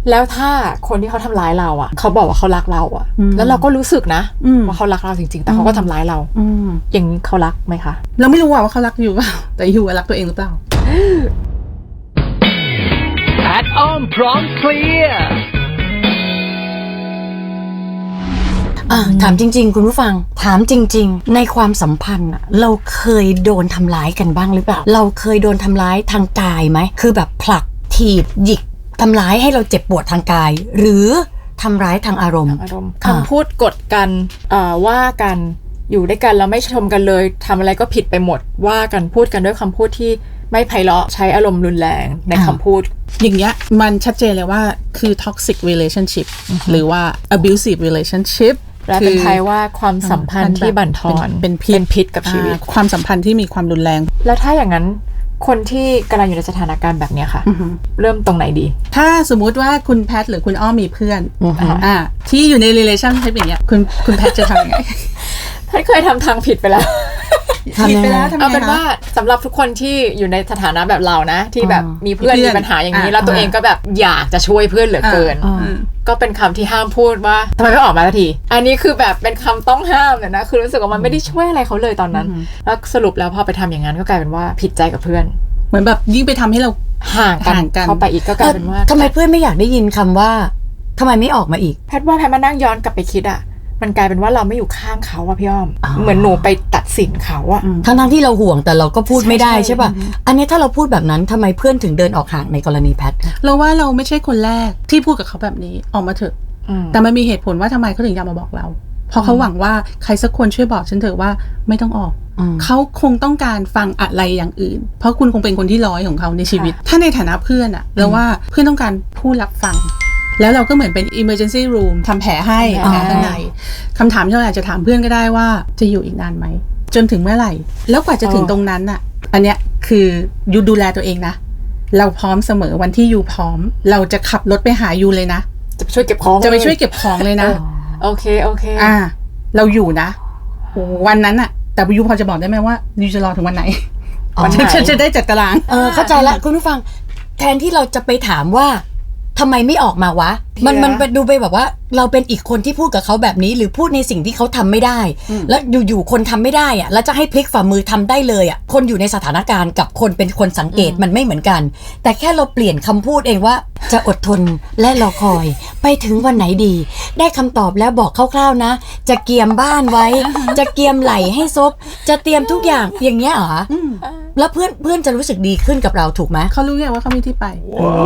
แล้วถ้าคนที่เขาทำร้ายเราอ่ะเขาบอกว่าเขารักเราอ่ะแล้วเราก็รู้สึกนะว่าเขารักเราจริงๆแต่เขาก็ทำร้ายเราอย่างนี้เขารักไหมคะเราไม่รู้ว่าเขารักอยู่เปล่าแต่อยู่รักตัวเองหรือเปล่าแพทอ้อมพร้อมเคลียร์ถามจริงๆคุณผู้ฟังถามจริงๆในความสัมพันธ์เราเคยโดนทำร้ายกันบ้างหรือเปล่าเราเคยโดนทำร้ายทางกายไหมคือแบบผลักถีบหยิกทำร้ายให้เราเจ็บปวดทางกายหรือทำร้ายทางอารมณ์คำพูดกดกันว่ากันอยู่ด้วยกันแล้วไม่ชมกันเลยทำอะไรก็ผิดไปหมดว่ากันพูดกันด้วยคำพูดที่ไม่ไพเราะใช้อารมณ์รุนแรงในคำพูดอย่างเงี้ยมันชัดเจนเลยว่าคือ toxic relationship หรือว่า abusive relationship และเป็นไทยว่าความสัมพันธ์ที่บั่นทอนเป็นพิษกับชีวิตความสัมพันธ์ที่มีความรุนแรงแล้วถ้าอย่างนั้นคนที่กำลังอยู่ในสถานการณ์แบบนี้ค่ะเริ่มตรงไหนดีถ้าสมมุติว่าคุณแพทหรือคุณอ้อมมีเพื่อนที่อยู่ใน relationship อย่างเงี้ยคุณแพทจะทำยังไงแพทเคยทำทางผิดไปแล้วผิดไปแล้วเอาเป็นว่าสำหรับทุกคนที่อยู่ในสถานะแบบเรานะที่แบบมีเพื่อนมีปัญหาอย่างนี้แล้วตัวเองก็แบบอยากจะช่วยเพื่อนเหลือเกินก็เป็นคำที่ห้ามพูดว่าทำไมไม่ออกมาสักทีอันนี้คือแบบเป็นคำต้องห้ามเลยนะคือรู้สึกว่ามันไม่ได้ช่วยอะไรเขาเลยตอนนั้นแล้วสรุปแล้วพอไปทำอย่างนั้นก็กลายเป็นว่าผิดใจกับเพื่อนเหมือนแบบยิ่งไปทำให้เราห่างกันเข้าไปอีกก็กลายเป็นว่าทำไมเพื่อนไม่อยากได้ยินคำว่าทำไมไม่ออกมาอีกแพทว่าแพทมานั่งย้อนกลับไปคิดมันกลายเป็นว่าเราไม่อยู่ข้างเขาอะพี่อ้อมเหมือนหนูไปตัดสินเขาอะทั้งที่เราห่วงแต่เราก็พูดไม่ได้ใช่ป่ะอันนี้ถ้าเราพูดแบบนั้นทำไมเพื่อนถึงเดินออกห่างในกรณีแพทเราว่าเราไม่ใช่คนแรกที่พูดกับเขาแบบนี้ออกมาเถอะแต่มันมีเหตุผลว่าทำไมเขาถึงอยากมาบอกเราเพราะเขาหวังว่าใครสักคนช่วยบอกฉันเถอะว่าไม่ต้องออกเขาคงต้องการฟังอะไรอย่างอื่นเพราะคุณคงเป็นคนที่ร้อยของเขาในชีวิตถ้าในฐานะเพื่อนเราว่าเพื่อนต้องการผู้รับฟังแล้วเราก็เหมือนเป็น emergency room ทำแผลให้แผลข้างในคำถามที่เราอยากจะถามเพื่อนก็ได้ว่าจะอยู่อีกนานไหมจนถึงเมื่อไหร่แล้วกว่าจะถึงตรงนั้นอันเนี้ยคือยูดูแลตัวเองนะเราพร้อมเสมอวันที่ยูพร้อมเราจะขับรถไปหายูเลยนะจะไปช่วยเก็บของเลยนะโอเคเราอยู่นะวันนั้นแต่ยูพอจะบอกได้ไหมว่ายูจะรอถึงวันไหนฉันจะได้จัดตารางเข้าใจละคุณผู้ฟังแทนที่เราจะไปถามว่าทำไมไม่ออกมาวะมันไปดูไปแบบว่าเราเป็นอีกคนที่พูดกับเขาแบบนี้หรือพูดในสิ่งที่เขาทำไม่ได้แล้วอยู่ๆคนทำไม่ได้แล้วจะให้พลิกฝ่ามือทำได้เลยคนอยู่ในสถานการณ์กับคนเป็นคนสังเกตมันไม่เหมือนกันแต่แค่เราเปลี่ยนคำพูดเองว่าจะอดทนและรอคอยไปถึงวันไหนดีได้คำตอบแล้วบอกคร่าวๆนะจะเกียมบ้านไว้จะเกียมไหลให้ซบจะเตรียมทุกอย่างอย่างเงี้ยเหรอแล้วเพื่อนจะรู้สึกดีขึ้นกับเราถูกไหมเขารู้ไงว่าเขามีที่ไป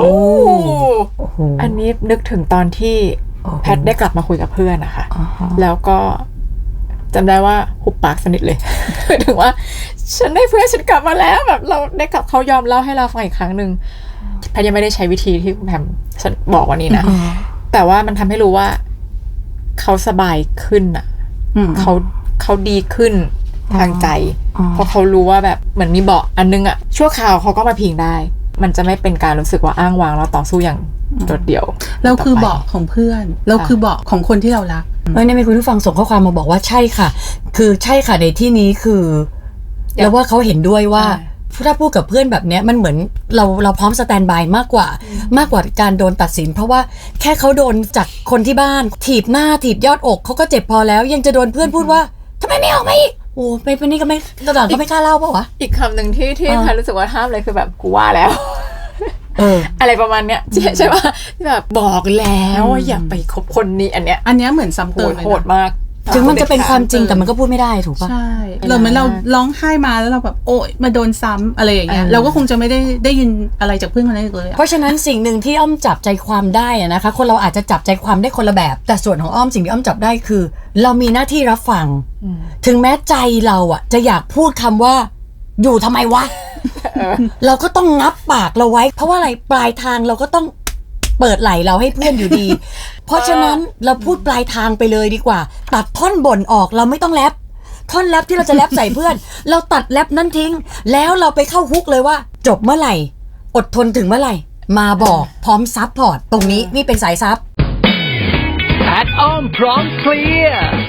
อันนี้นึกถึงตอนที่แพทได้กลับมาคุยกับเพื่อนนะคะแล้วก็จำได้ว่าหุบปากสนิทเลยถึงว่าฉันได้เพื่อนฉันกลับมาแล้วแบบเราได้กลับเขายอมเล่าให้เราฟังอีกครั้งนึงแพทยังไม่ได้ใช้วิธีที่คุณแพมฉันบอกวันนี้นะแต่ว่ามันทำให้รู้ว่าเขาสบายขึ้นเขาดีขึ้นทางใจเพราะเขารู้ว่าแบบเหมือนมีเบาะอันนึงชั่วคราวเขาก็มาพิงได้มันจะไม่เป็นการรู้สึกว่าอ้างว้างแล้วต่อสู้อย่างโดดเดี่ยวเราคือเบาะของเพื่อนเราคือเบาะของคนที่เรารักเนี่ยมีคุณผู้ฟังส่งข้อความมาบอกว่าใช่ค่ะคือใช่ค่ะในที่นี้คือแล้วว่าเขาเห็นด้วยว่าถ้าพูดกับเพื่อนแบบนี้มันเหมือนเราพร้อมสแตนบายมากกว่าการโดนตัดสินเพราะว่าแค่เขาโดนจากคนที่บ้านถีบหน้าถีบยอดอกเขาก็เจ็บพอแล้วยังจะโดนเพื่อนพูดว่าทำไมไม่ออกมาอีกโอ้ไปเป็นนี่ก็ไม่ตลอดก็ไม่กล้าเล่าป่ะวะอีกคำหนึ่งที่แพทรู้สึกว่าห้ามเลยคือแบบกูว่าแล้วอะไรประมาณเนี้ยใช่ป่ะแบบบอกแล้วว่าอย่าไปคบคนนี้อันเนี้ยเหมือนซ้ำเติมโหดมากถึงมันจะเป็นความจริงแต่มันก็พูดไม่ได้ถูกป่ะใช่เหมือนเราร้องไห้มาแล้วเราแบบโอ๊ยมาโดนซ้ำอะไรอย่างเงี้ยเราก็คงจะไม่ได้ยินอะไรจากเพื่อนคนนั้นเลยเพราะฉะนั้นสิ่งหนึ่งที่อ้อมจับใจความได้นะคะคนเราอาจจะจับใจความได้คนละแบบแต่ส่วนของอ้อมสิ่งที่อ้อมจับได้คือเรามีหน้าที่รับฟังถึงแม้ใจเราจะอยากพูดคำว่าอยู่ทำไมวะเราก็ต้องงับปากเราไว้เพราะว่าอะไรปลายทางเราก็ต้องเปิดไหลเราให้เพื่อนอยู่ดีเพราะฉะนั้นเราพูดปลายทางไปเลยดีกว่าตัดท่อนบ่นออกเราไม่ต้องแรปท่อนแรปที่เราจะแรปใส่เพื่อนเราตัดแรปนั้นทิ้งแล้วเราไปเข้าฮุกเลยว่าจบเมื่อไหร่อดทนถึงเมื่อไหร่มาบอกพร้อมซับพอร์ตตรงนี้นี่เป็นสายซับแพทอ้อมพร้อมเคลียร์